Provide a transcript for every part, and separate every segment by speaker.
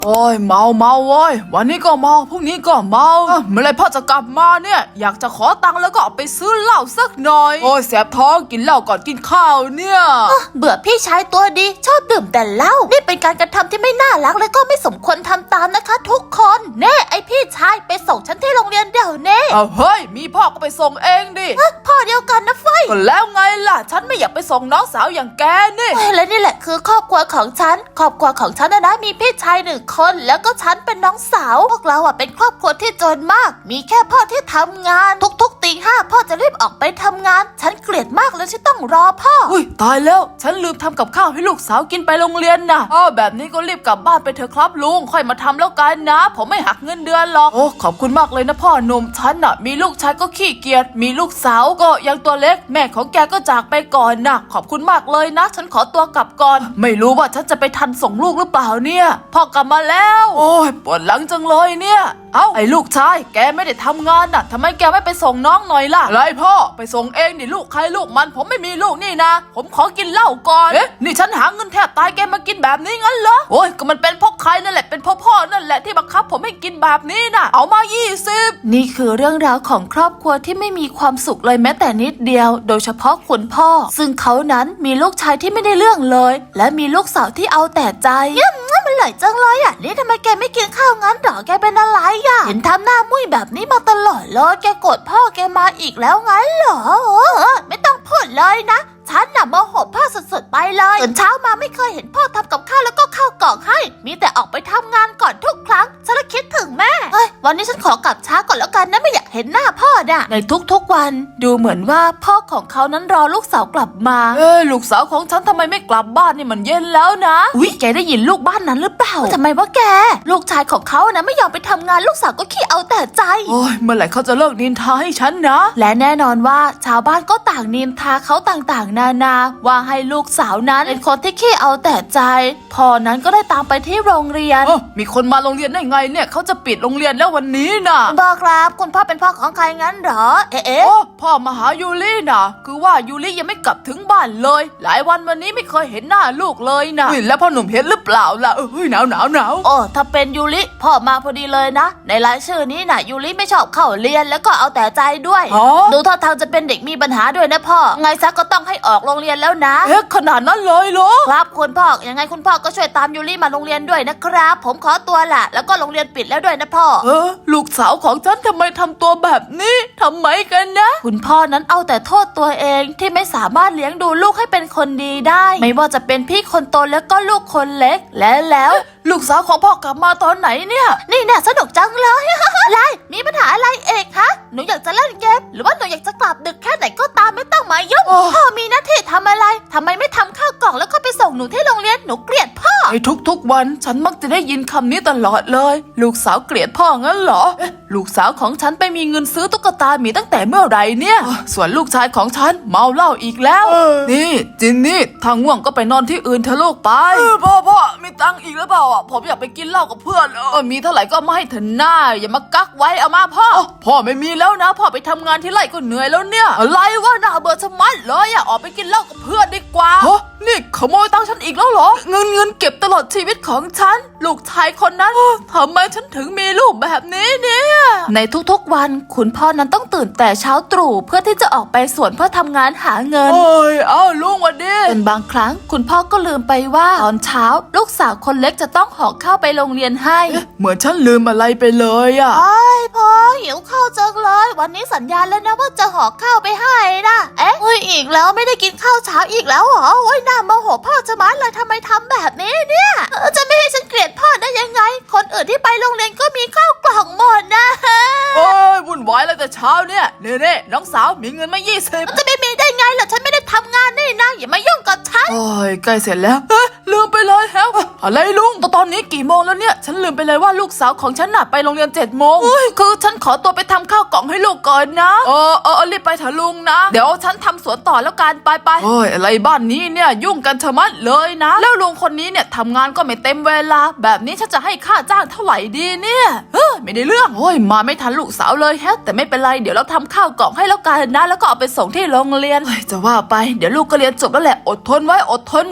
Speaker 1: โอ้ยเมาเว้ยวันนี้ก็เมาพรุ่งนี้ก็เมาเมื่อไรพ่อจะกลับมาเนี่ยอยากจะขอตังค์แล้วก็เอาไปซื้อเหล้าสักหน่อยโอ้ยแสบท้องกินเหล้าก่อนกินข้าวเนี่ย
Speaker 2: เบื่อพี่ชายตัวดีชอบดื่มแต่เหล้านี่เป็นการกระทำที่ไม่น่ารักและก็ไม่สมควรทำตามนะคะทุกคนเน่ไอพี่ชายไปส่งฉันที่โรงเรียนเดี๋ยวนี้
Speaker 1: เฮ้ยมีพ่อก็ไปส่งเองดิ
Speaker 2: พ่อเดียวกันนะเฟ้ย
Speaker 1: ก็แล้วไงล่ะฉันไม่อยากไปส่งน้องสาวอย่างแกนี่
Speaker 2: และนี่แหละคือครอบครัวของฉันครอบครัวของฉันนะมีพี่ชาย1 คนแล้วก็ฉันเป็นน้องสาวพวกเราเป็นครอบครัวที่จนมากมีแค่พ่อที่ทำงานทุกตี 5พ่อจะรีบออกไปทำงานฉันเกลียดมากเลยที่ต้องรอพ่อ
Speaker 1: อุ้ยตายแล้วฉันลืมทำกับข้าวให้ลูกสาวกินไปโรงเรียนนะแบบนี้ก็รีบกลับบ้านไปเถอะครับลุงค่อยมาทำแล้วกันนะผมไม่หักเงินเดือนหรอกโอ้ขอบคุณมากเลยนะพ่อหนุ่มฉันมีลูกชายก็ขี้เกียจมีลูกสาวก็ยังตัวเล็กแม่ของแกก็จากไปก่อนนะขอบคุณมากเลยนะฉันขอตัวกลับก่อนไม่รู้ว่าฉันจะไปทันส่งลูกหรือเปล่าเนี่ยพ่อกลับมาแล้วโอ้ยปวดหลังจังเลยเนี่ยไอ้ลูกชายแกไม่ได้ทำงานน่ะทำไมแกไม่ไปส่งน้องหน่อยล่ะอะไรพ่อไปส่งเองดิลูกใครลูกมันผมไม่มีลูกนี่นะผมขอกินเหล้าก่อนนี่ฉันหาเงินแทบตายแกมากินแบบนี้งั้นเหรอโอ้ยก็มันเป็นเพราะใครนั่นแหละเป็นเพราะพ่อนั่นแหละที่บังคับผมให้กินแบบนี้น่ะเอามา20
Speaker 2: นี่คือเรื่องราวของครอบครัวที่ไม่มีความสุขเลยแม้แต่นิดเดียวโดยเฉพาะคุณพ่อซึ่งเขานั้นมีลูกชายที่ไม่ได้เรื่องเลยและมีลูกสาวที่เอาแต่ใจมันไหลจังเลยนี่ทำไมแกไม่กินข้าวงั้นหรอแกเป็นอะไรเห็นทำหน้ามุ้ยแบบนี้มาตลอดเลยแกโกรธพ่อแกมาอีกแล้วงั้นเหรอไม่ต้องพูดเลยนะฉันโมโหพ่อสุดๆไปเลยตื่นเช้ามาไม่เคยเห็นพ่อทำกับข้าวแล้วก็ข้าวกล่องให้มีแต่ออกไปทำงานก่อนทุกครั้งฉันคิดถึงแม่วันนี้ฉันขอกลับช้าก่อนแล้วกันนะไม่อยากเห็นหน้าพ่อในทุกๆวันดูเหมือนว่าพ่อของเขานั้นรอลูกสาวกลับมา
Speaker 1: ลูกสาวของฉันทำไมไม่กลับบ้านนี่มันเย็นแล้วนะ
Speaker 2: อุ๊ยแกได้ยินลูกบ้านนั้นหรือเปล่าทำไมวะแกลูกชายของเขาไม่ยอมไปทำงานลูกสาวก็ขี้เอาแต่ใจ
Speaker 1: โอ้ยเมื่อไหร่เขาจะเลิกนินทาให้ฉันนะ
Speaker 2: และแน่นอนว่าชาวบ้านก็ต่างนินทาเขาต่างๆนานาว่าให้ลูกสาวนั้นเป็นคนที่ขี้เอาแต่ใจพ่อนั้นก็ได้ตามไปที่โรงเรียน
Speaker 1: มีคนมาโรงเรียนได้ไงเนี่ยเขาจะปิดโรงเรียนแล้ววันนี้น่ะ
Speaker 2: บอกครับคุณพ่อเป็นพ่อของใครงั้นเหรอ
Speaker 1: พ่อมาหายูริน่ะคือว่ายูริยังไม่กลับถึงบ้านเลยหลายวันวันนี้ไม่เคยเห็นหน้าลูกเลยนะแล้วพ่อหนุ่มเห็นหรือเปล่าล่ะหนาว
Speaker 2: ถ้าเป็นยูริพ่อมาพอดีเลยนะในรายชื่อนี้น่ะยูริไม่ชอบเข้าเรียนแล้วก็เอาแต่ใจด้วยดูท่าทางจะเป็นเด็กมีปัญหาด้วยนะพ่อไงซะก็ต้องให้ออกโรงเรียนแล้วนะ
Speaker 1: ขนาดนั้นเลยเหรอ
Speaker 2: ครับคุณพ่อยังไงคุณพ่อก็ช่วยตามยูริมาโรงเรียนด้วยนะครับผมขอตัวละแล้วก็โรงเรียนปิดแล้วด้วยนะพ่อ
Speaker 1: ลูกสาวของฉันทำไมทำตัวแบบนี้ทำไมกันนะ
Speaker 2: คุณพ่อนั้นเอาแต่โทษตัวเองที่ไม่สามารถเลี้ยงดูลูกให้เป็นคนดีได้ไม่ว่าจะเป็นพี่คนโตแล้วก็ลูกคนเล็กแล้ว
Speaker 1: ลูกสาวของพ่อกลับมาตอนไหนเนี่ย
Speaker 2: นี่สนุกจังเลยอะไรมีปัญหาอะไรเอกฮะหนูอยากจะเล่นเกมหรือว่าหนูอยากจะกลับดึกแค่ไหนก็ตามไม่ต้องมายุ่งพ่อมีหน้าที่ทำอะไรทำไมไม่ทำข้าวกล่องแล้วก็ไปส่งหนูที่โรงเรียนหนูเกลียดพ่อ
Speaker 1: ทุกวันฉันมักจะได้ยินคำนี้ตลอดเลยลูกสาวเกลียดพ่องั้นเหรอลูกสาวของฉันไปมีเงินซื้อตุ๊กตาหมีตั้งแต่เมื่อไหร่เนี่ยส่วนลูกชายของฉันเมาเหล้าอีกแล้วนี่จินนี่ทางง่วงก็ไปนอนที่อื่นเถอะลูกไปพ่อมีตังค์อีกหรือเปล่าผมอยากไปกินเหล้ากับเพื่อนมีเท่าไหร่ก็มาให้เถอะหน้าอย่ามากักไว้เอามาพ่อไม่มีแล้วนะพ่อไปทำงานที่ไร่ก็เหนื่อยแล้วเนี่ยอะไรวะน่าเบื่อชะมัดเลยออกไปกินเหล้ากับเพื่อนดีกว่านี่ขโมยตังค์ฉันอีกแล้วเหรอเงินเก็บตลอดชีวิตของฉันลูกชายคนนั้นทำไมฉันถึงมีลูกแบบนี้เนี่ย
Speaker 2: ในทุกๆวันคุณพ่อนั้นต้องตื่นแต่เช้าตรู่เพื่อที่จะออกไปสวนเพื่อทำงานหาเงิน
Speaker 1: ลุงวันดี
Speaker 2: จนบางครั้งคุณพ่อก็ลืมไปว่าตอนเช้าลูกสาวคนเล็กจะต้องห่อข้าวไปโรงเรียนให้
Speaker 1: เหมือนฉันลืมอะไรไปเลย
Speaker 2: พ่อหิวข้าวจังเลยวันนี้สัญญาแล้วนะว่าจะห่อข้าวไปให้นะอีกแล้วไม่ได้กินข้าวเช้าอีกแล้วเหรอน่าโมโหพ่อจะมาเลยทำไมทำแบบนี้เนี่ยจะไม่ให้ฉันเกลียดพ่อได้ยังไงคนอื่นที่ไปโรงเรียนก็มีข้าวกล่องหมดนะ
Speaker 1: วุ่นวายเลยแต่เช้าเนี่ยเน่น้องสาวมีเงินมา20
Speaker 2: มันจะไม่มีได้ไงล่ะฉันไม่ได้ทำงานนี่นะอย่ามายุ่งกับฉัน
Speaker 1: ใกล้เสร็จแล้วลืมไปเลยอะไรลุงตอนนี้กี่โมงแล้วเนี่ยฉันลืมไปเลยว่าลูกสาวของฉันน่ะไปโรงเรียน7 โมงคือฉันขอตัวไปทำข้าวกล่องให้ลูกก่อนนะรีบไปเถอะลุงนะเดี๋ยวฉันทำสวนต่อแล้วกันไปอะไรบ้านนี้เนี่ยยุ่งกันชะมัดเลยนะแล้วลุงคนนี้เนี่ยทำงานก็ไม่เต็มเวลาแบบนี้ฉันจะให้ค่าจ้างเท่าไหร่ดีเนี่ยไม่ได้เรื่องมาไม่ทันลูกสาวเลยแต่ไม่เป็นไรเดี๋ยวเราทำข้าวกล่องให้แล้วกันนะแล้วก็เอาไปส่งที่โรงเรียนจะว่าไปเดี๋ยวลูกก็เรียนจบแล้วแหละอดทนไว้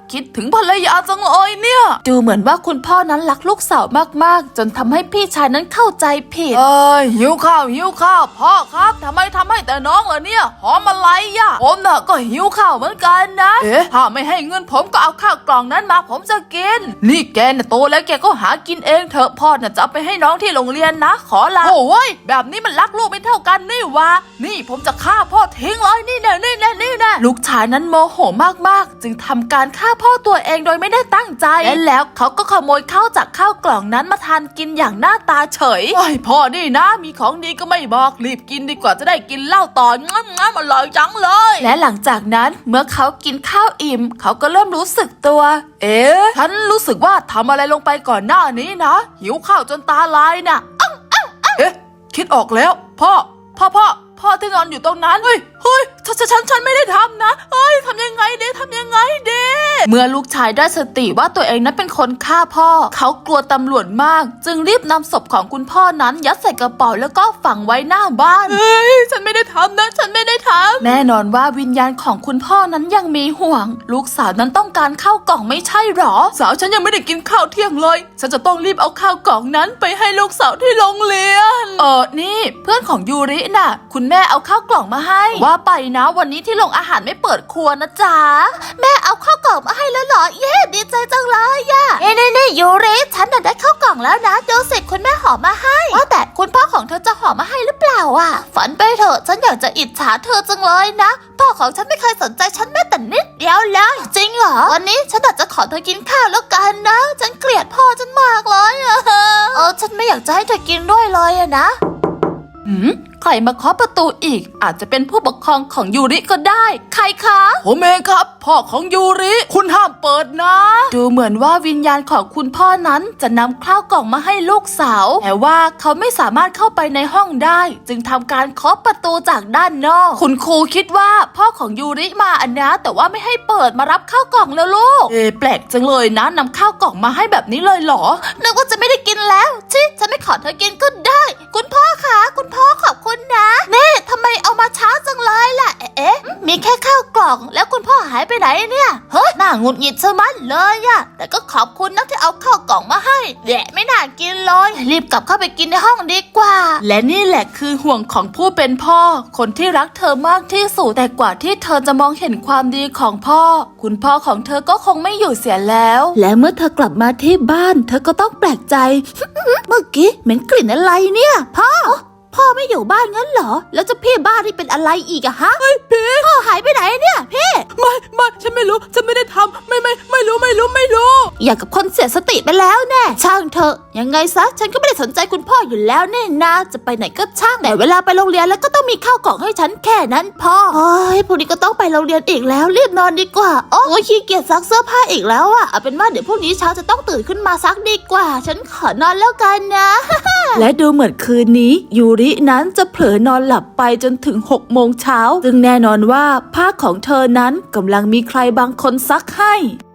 Speaker 1: คิดถึงภรรยาจังเลยเนี่ย
Speaker 2: ดูเหมือนว่าคุณพ่อนั้นรักลูกสาวมากๆจนทำให้พี่ชายนั้นเข้าใจผิด
Speaker 1: หิวข้าวพ่อครับทำไมทำให้แต่น้องล่ะเนี่ยหอมอะไรอ่ะผมน่ะก็หิวข้าวเหมือนกันนะถ้าไม่ให้เงินผมก็เอาข้าวกล่องนั้นมาผมจะกินนี่แกน่ะโตแล้วแกก็หากินเองเถอะพ่อน่ะจะเอาไปให้น้องที่โรงเรียนนะขอลาโอ้ยแบบนี้มันรักลูกไม่เท่ากันนี่วะนี่ผมจะฆ่าพ่อทิ้งเลยนี่แน่
Speaker 2: ลูกชายนั้นโมโหมากๆจึงทำการฆ่าพ่อตัวเองโดยไม่ได้ตั้งใจและแล้วเขาก็ขโมยข้าวจากข้าวกล่องนั้นมาทานกินอย่างหน้าตาเฉย
Speaker 1: โอ้ยพ่อนี่นะมีของดีก็ไม่บอกรีบกินดีกว่าจะได้กินเหล้าต่องั้นอร่อยจังเลย
Speaker 2: และหลังจากนั้นเมื่อเขากินข้าวอิ่มเขาก็เริ่มรู้สึกตัว
Speaker 1: ฉันรู้สึกว่าทำอะไรลงไปก่อนหน้านี้นะหิวข้าวจนตาลายน่ะคิดออกแล้วพ่อที่นอนอยู่ตรงนั้นเฮ้ยฉันไม่ได้ทำนะทำยังไงเด้
Speaker 2: เมื่อลูกชายได้สติว่าตัวเองนั้นเป็นคนฆ่าพ่อเขากลัวตำรวจมากจึงรีบนำศพของคุณพ่อนั้นยัดใส่กระเป๋าแล้วก็ฝังไว้หน้าบ้าน
Speaker 1: ฉันไม่ได้ทำนะฉันไม่ได้ทำ
Speaker 2: แน่นอนว่าวิญญาณของคุณพ่อนั้นยังมีห่วงลูกสาวนั้นต้องการข้าวกล่องไม่ใช่หรอ
Speaker 1: สาวฉันยังไม่ได้กินข้าวเที่ยงเลยฉันจะต้องรีบเอาข้าวกล่องนั้นไปให้ลูกสาวที่โรงเรียน
Speaker 2: นี่เพื่อนของยูริน่ะคุณแม่เอาข้าวกล่องมาให้ว่าไปนะวันนี้ที่โรงอาหารไม่เปิดครัวนะจ๊ะแม่เอาข้าวกล่องมาให้แล้วเหรอเย้ดีใจจังเลยย่ะนี่ยูริฉันน่ะได้ข้าวกล่องแล้วนะดูสิคุณแม่ห่อมาให้ว่าแต่คุณพ่อของเธอจะห่อมาให้หรือเปล่าอ่ะฝันไปเถอะฉันอยากจะอิจฉาเธอจังเลยนะพ่อของฉันไม่เคยสนใจฉันแม้แต่นิดเดียวเลยจริงเหรอวันนี้ฉันอาจจะขอเธอกินข้าวแล้วกันนะฉันเกลียดพ่อฉันมากเลยฉันไม่อยากจะให้เธอกินด้วยเลยอะนะใครมาเคาะประตูอีกอาจจะเป็นผู้ปกครองของยูริก็ได้ใครคะ
Speaker 1: ผมเองครับพ่อของยูริคุณห้ามเปิดนะ
Speaker 2: ดูเหมือนว่าวิญญาณของคุณพ่อนั้นจะนำข้าวกล่องมาให้ลูกสาวแต่ว่าเขาไม่สามารถเข้าไปในห้องได้จึงทำการเคาะประตูจากด้านนอกคุณครูคิดว่าพ่อของยูริมาอันนะแต่ว่าไม่ให้เปิดมารับข้าวกล่องแล้วลูก
Speaker 1: แปลกจังเลยนะนำข้าวกล่องมาให้แบบนี้เลยเหรอ
Speaker 2: นึกว่าจะไม่ได้กินแล้วชิฉันไม่ขอเธอกินก็ได้คุณพ่อคะคุณพ่อขอบคุณนะเน่ทำไมเอามาช้าจังเลยล่ะมีแค่ข้าวกล่องแล้วคุณพ่อหายไปไหนเนี่ยเฮ้ยน่าหงุดหงิดซะมัดเลยอะแต่ก็ขอบคุณนะที่เอาข้าวกล่องมาให้แดะไม่น่ากินเลยรีบกลับเข้าไปกินในห้องดีกว่าและนี่แหละคือห่วงของผู้เป็นพ่อคนที่รักเธอมากที่สุดแต่กว่าที่เธอจะมองเห็นความดีของพ่อคุณพ่อของเธอก็คงไม่อยู่เสียแล้วและเมื่อเธอกลับมาที่บ้านเธอก็ต้องแปลกใจ เมื่อกี้เหม็นกลิ่นอะไรเนี่ยพ่อไม่อยู่บ้านงั้นเหรอแล้วจะพี่บ้านนี่เป็นอะไรอีกอะฮะ
Speaker 1: เฮ้ยพี่
Speaker 2: พ่อหายไปไหนเนี่ยพี่
Speaker 1: ไม่ฉันไม่รู้ฉันไม่ได้ทำไม่รู้
Speaker 2: อย่างกับคนเสียสติไปแล้วแน่ช่างเถอะยังไงซะฉันก็ไม่ได้สนใจคุณพ่ออยู่แล้วแน่นะจะไปไหนก็ช่างแต่เวลาไปโรงเรียนแล้วก็ต้องมีข้าวกล่องให้ฉันแค่นั้นพ่อพรุ่งนี้ก็ต้องไปโรงเรียนอีกแล้วรีบนอนดีกว่าโอ้ยขี้เกียจซักเสื้อผ้าอีกแล้วอะเอาเป็นว่าเดี๋ยวพรุ่งนี้เช้าจะต้องตื่นขึ้นมาซักดีกว่าฉันขอนอนแล้วกันนะ และดูเหมือนคืนนี้ยูรินั้นจะเผลอนอนหลับไปจนถึง6 โมงเช้าซึ่งแน่นอนว่าผ้าของเธอนั้นกำลังมีใครบางคนซักให้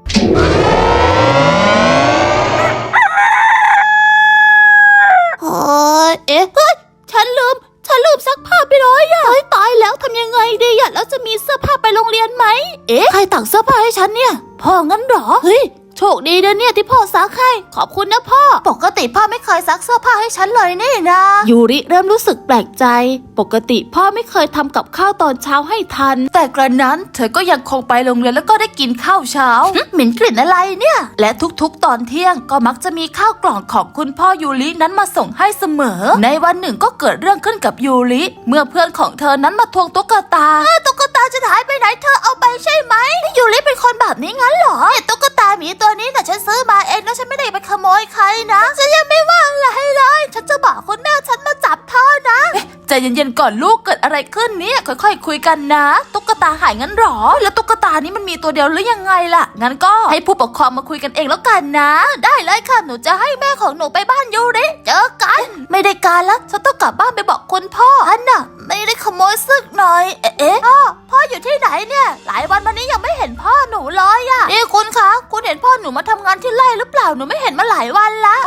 Speaker 2: เฮ้ยฉันลืมซักผ้าไปเลยอะเฮ้ยตายแล้วทำยังไงดีอะแล้วจะมีเสื้อผ้าไปโรงเรียนไหมใครตักเสื้อผ้าให้ฉันเนี่ยพ่องั้นเหรอเฮ้ยโชคดีนะเนี่ยที่พ่อซักให้ขอบคุณนะพ่อปกติพ่อไม่เคยซักเสื้อผ้าให้ฉันเลยนี่นะยูริเริ่มรู้สึกแปลกใจปกติพ่อไม่เคยทำกับข้าวตอนเช้าให้ทันแต่กระนั้นเธอก็ยังคงไปโรงเรียนแล้วก็ได้กินข้าวเช้าเหม็นกลิ่นอะไรเนี่ยและทุกๆตอนเที่ยงก็มักจะมีข้าวกล่องของคุณพ่อยูรินั้นมาส่งให้เสมอในวันหนึ่งก็เกิดเรื่องขึ้นกับยูริเมื่อเพื่อนของเธอนั้นมาทวงตุ๊กตาตุ๊กตาจะหายไปไหนเธอเอาไปใช่ไหมยูริเป็นคนแบบนี้งั้นเหรอตุ๊กตาหมีตัวนี้น่ะฉันซื้อมาเองนะฉันไม่ได้ไปขโมยใครนะฉันยังไม่ว่าอะไรเลยฉันจะบอกคุณแม่ฉันมาจับเธอนะใจเย็นๆก่อนลูกเกิดอะไรขึ้นเนี่ยค่อยๆคุยกันนะตุ๊กตาหายงั้นหรอแล้วตุ๊กตานี้มันมีตัวเดียวหรือยังไงล่ะงั้นก็ให้ผู้ปกครองมาคุยกันเองแล้วกันนะได้เลยค่ะหนูจะให้แม่ของหนูไปบ้านยูริเจอกันไม่ได้การแล้วฉันต้องกลับบ้านไปบอกคุณพ่ออันน่ะไม่ได้ขโมยซึกหน่อยพ่ออยู่ที่ไหนเนี่ยหลายวันมานี้ยังไม่เห็นพ่อหนูเลยอะนี่คุณคะคุณเห็นพ่อหนูมาทำงานที่ไร่หรือเปล่าหนูไม่เห็นมาหลายวันละ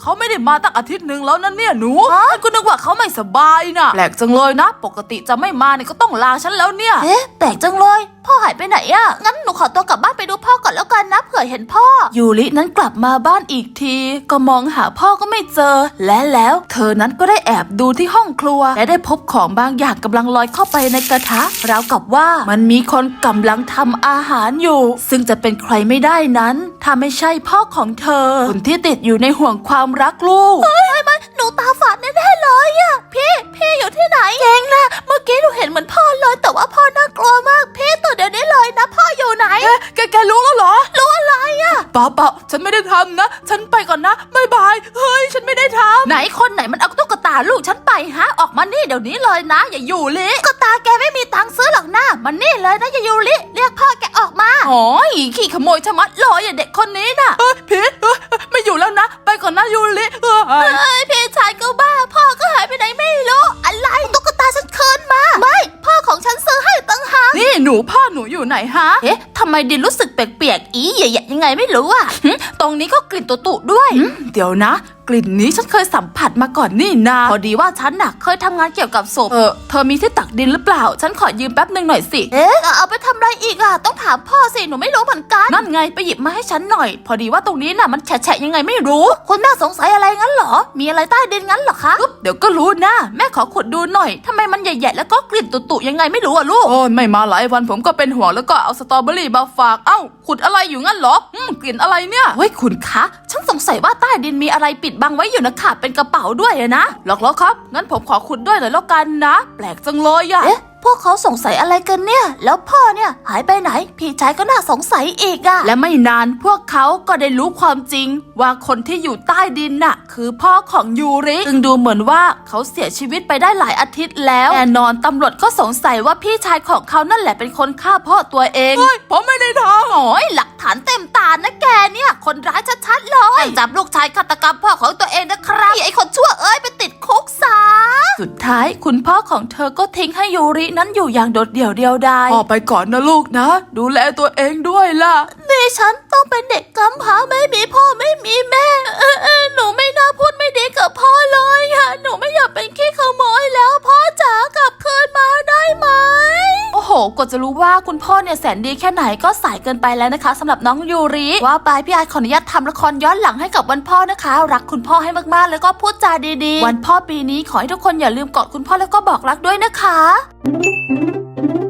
Speaker 1: เขาไม่ได้มาตั้งอาทิตย์หนึ่งแล้วนะเนี่ยหนูฉันก็นึกว่าเขาไม่สบายนะแปลกจังเลยนะปกติจะไม่มาเนี่ยก็ต้องลาฉันแล้วเนี่ย
Speaker 2: เอ๊ะแปลกจังเลยพ่อหายไปไหนอะงั้นหนูขอตัวกลับบ้านไปดูพ่อก่อนแล้วกันนะเผื่อเห็นพ่อยูรินั้นกลับมาบ้านอีกทีก็มองหาพ่อก็ไม่เจอและแล้วเธอนั้นก็ได้แอบดูที่ห้องครัวและได้พบของบางอย่างกำลังลอยเข้าไปในกระทะราวกับว่ามันมีคนกำลังทำอาหารอยู่ซึ่งจะเป็นใครไม่ได้นั้นถ้าไม่ใช่พ่อของเธอคนที่ติดอยู่ในห่วงความรักลูกไม่หนูตาฝาดแน่ๆเลยอะพี่อยู่ที่ไหนเองนะเมื่อกี้หนูเห็นเหมือนพ่อเลยแต่ว่าพ่อน่ากลัวมากพี่ตื่นเดี๋ยวนี้เลยนะพ่ออยู่ไหน
Speaker 1: แกรู้แล้วเหรอ
Speaker 2: รู้อะไรอะ
Speaker 1: เปล่าฉันไม่ได้ทำนะฉันไปก่อนนะบ๊ายบายเฮ้ยฉันไม่ได้ทำ
Speaker 2: ไหนคนไหนมันเอาตุ๊กตาลูกฉันไปฮะออกมานี่เดี๋ยวนี้เลยนะอย่าอยู่ลิตุ๊กตาแกไม่มีตังค์ซื้อหรอกนะมันนี่เลยนะอย่าอยู่ลิเรียกพ่อแกออกมา
Speaker 1: โอ้ยขี้ขโมยชะมัดเลยอย่าเด็กคนนี้น่ะพีทไม่อยู่แล้วนะไปก่อนนะยูริ
Speaker 2: พี่ชายก็บ้าพ่อก็หายไปไหนไม่รู้อะไรตุ๊กตาฉันคืนมาไม่พ่อของฉันซื้อให้ตั้งหาก
Speaker 1: นี่หนูพ่อหนูอยู่ไหนฮะ
Speaker 2: เอ๊ะทำไมดินรู้สึกแปลกๆอีใหญ่ๆยังไงไม่รู้อ่ะตรงนี้ก็กลิ่นตุๆด้วย
Speaker 1: เดี๋ยวนะกลิ่นนี้ฉันเคยสัมผัสมาก่อนนี่นาพอดีว่าฉันน่ะเคยทำงานเกี่ยวกับศพเธอมีที่ตักดินหรือเปล่าฉันขอยืมแป๊บนึงหน่อยสิ
Speaker 2: เอ๊ะเอาไปทำอะไรอีกอ่ะต้องถามพ่อสิหนูไม่รู้เหมือนกัน
Speaker 1: นั่นไงไปหยิบมาให้ฉันหน่อย พอดีว่าตรงนี้น่ะมันแฉะยังไงไม่รู้
Speaker 2: คุณแม่สงสัยอะไรงั้นเหรอมีอะไรใต้ดินงั้นเหรอคะ
Speaker 1: เดี๋ยวก็รู้นะแม่ขอขุดดูหน่อยทำไมมันใหญ่ๆแล้วก็กลิ่นตุๆยังไงไม่รู้อะลูกโอ้ยไม่มาหลายวันผมก็เป็นห่วงแล้วก็เอาสตรอเบอรี่มาฝากเอ้าขุดอะไรอยู่งั้นเหรอกลิ่นอะไรเนี่ยเฮ้ยคุณคะฉันสงสัยว่าใต้ดินมีอะไรปิดบังไว้อยู่นะคะเป็นกระเป๋าด้วยนะหรอกแล้วครับงั้นผมขอขุดด้วยเลยแล้วกันนะแปลกจังเลยอะ
Speaker 2: เอ๊ะพวกเขาสงสัยอะไรกันเนี่ยแล้วพ่อเนี่ยหายไปไหนพี่ชายก็น่าสงสัยอีกอะ
Speaker 1: และไม่นานพวกเขาก็ได้รู้ความจริงว่าคนที่อยู่ใต้ดินน่ะคือพ่อของยูริซึ่งดูเหมือนว่าเขาเสียชีวิตไปได้หลายอาทิตย์แล้วแน่นอนตำรวจก็สงสัยว่าพี่ชายของเขานั่นแหละเป็นคนฆ่าพ่อตัวเองผมไม่ได้ทำ
Speaker 2: โอ้ยหลักฐานเต็มตานะแกเนี่ยคนร้ายชัดๆเลยจับลูกชายฆาตกรรมพ่อของตัวเองนะครับไอ้คนชั่วเอ้ยไปติดคุกซะ
Speaker 1: สุดท้ายคุณพ่อของเธอก็ทิ้งให้ยูรินั้นอยู่อย่างโดดเดี่ยวเดียวดายพ่อไปก่อนนะลูกนะดูแลตัวเองด้วยล่ะ
Speaker 2: ดิฉันต้องเป็นเด็กกำพร้าไม่มีพ่อไม่มีแม่หนูไม่น่าพูดไม่ดีกับพ่อเลยค่ะหนูไม่อยากเป็นขี้ขโมยแล้วพ่อจ๋ากลับคืนมาได้ไหม
Speaker 1: โอ้โหกว่าจะรู้ว่าคุณพ่อเนี่ยแสนดีแค่ไหนก็สายเกินไปแล้วนะคะสำหรับน้องยูริว่าไปพี่ไอขออนุญาตทำละครย้อนหลังให้กับวันพ่อนะคะรักคุณพ่อให้มากๆแล้วก็พูดจาดีๆวันพ่อปีนี้ขอให้ทุกคนอย่าลืมกอดคุณพ่อแล้วก็บอกรักด้วยนะคะ